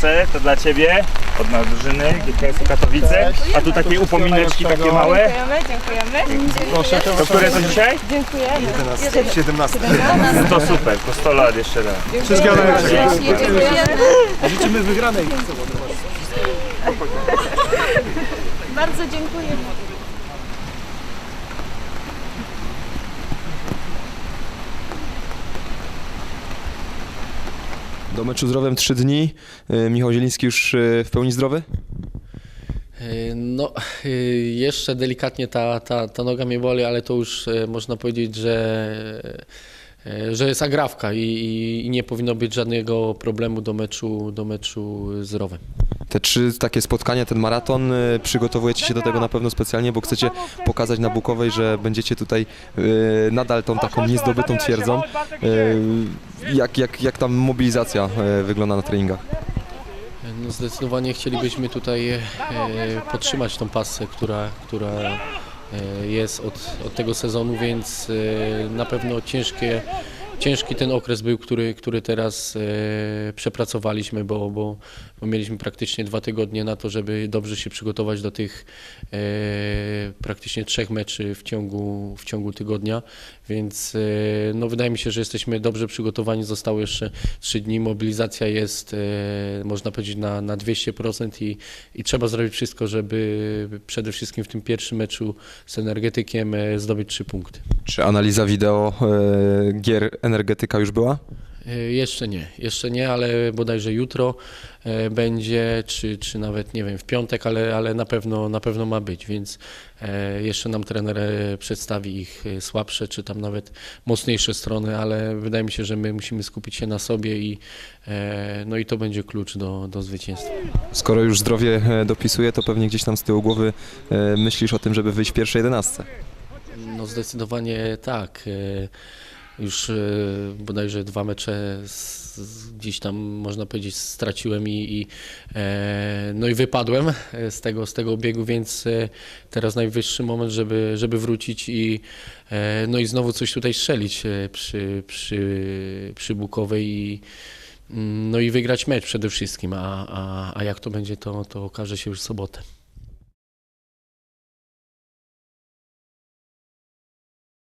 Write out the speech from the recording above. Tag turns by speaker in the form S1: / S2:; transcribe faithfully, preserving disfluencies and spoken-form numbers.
S1: proszę, to dla Ciebie, od nas drużyny, G K S-u Katowice. A tu takie upomineczki takie małe.
S2: Dziękujemy, dziękujemy.
S3: Proszę,
S1: To które to dzisiaj?
S2: Dziękujemy.
S3: siedemnaście.
S1: To super, to sto lat jeszcze raz.
S3: Wszystkiego najlepszego.
S2: Dziękujemy.
S3: Życzymy wygranej.
S2: Bardzo dziękujemy.
S4: Do meczu zdrowym trzy dni. Michał Zieliński już w pełni zdrowy?
S5: No, jeszcze delikatnie ta, ta, ta noga mnie boli, ale to już można powiedzieć, że, że jest agrawka i, i, i nie powinno być żadnego problemu do meczu, do meczu z Rowem.
S4: Te trzy takie spotkania, ten maraton, przygotowujecie się do tego na pewno specjalnie, bo chcecie pokazać na Bukowej, że będziecie tutaj nadal tą taką niezdobytą twierdzą. Jak, jak, jak tam mobilizacja wygląda na treningach?
S5: No zdecydowanie chcielibyśmy tutaj e, podtrzymać tą pasę, która, która e, jest od, od tego sezonu, więc e, na pewno ciężkie, ciężki ten okres był, który, który teraz e, przepracowaliśmy, bo, bo, bo mieliśmy praktycznie dwa tygodnie na to, żeby dobrze się przygotować do tych e, praktycznie trzech meczy w ciągu, w ciągu tygodnia, więc e, no, wydaje mi się, że jesteśmy dobrze przygotowani, zostało jeszcze trzy dni, mobilizacja jest e, można powiedzieć na, na dwieście procent i, i trzeba zrobić wszystko, żeby przede wszystkim w tym pierwszym meczu z Energetykiem e, zdobyć trzy punkty.
S4: Czy analiza wideo e, gier Energetyka już była?
S5: Jeszcze nie, jeszcze nie, ale bodajże jutro e, będzie, czy, czy nawet nie wiem, w piątek, ale, ale na pewno, na pewno ma być, więc e, jeszcze nam trener e, przedstawi ich e, słabsze, czy tam nawet mocniejsze strony, ale wydaje mi się, że my musimy skupić się na sobie i, e, no i to będzie klucz do, do zwycięstwa.
S4: Skoro już zdrowie dopisuje, to pewnie gdzieś tam z tyłu głowy e, myślisz o tym, żeby wyjść w pierwszej jedenastce.
S5: No zdecydowanie tak. E, Już e, bodajże dwa mecze z, z, gdzieś tam można powiedzieć straciłem i, i, e, no i wypadłem z tego, z tego obiegu, więc e, teraz najwyższy moment, żeby, żeby wrócić i, e, no i znowu coś tutaj strzelić e, przy, przy, przy Bukowej i, no i wygrać mecz przede wszystkim, a, a, a jak to będzie, to, to okaże się już w sobotę.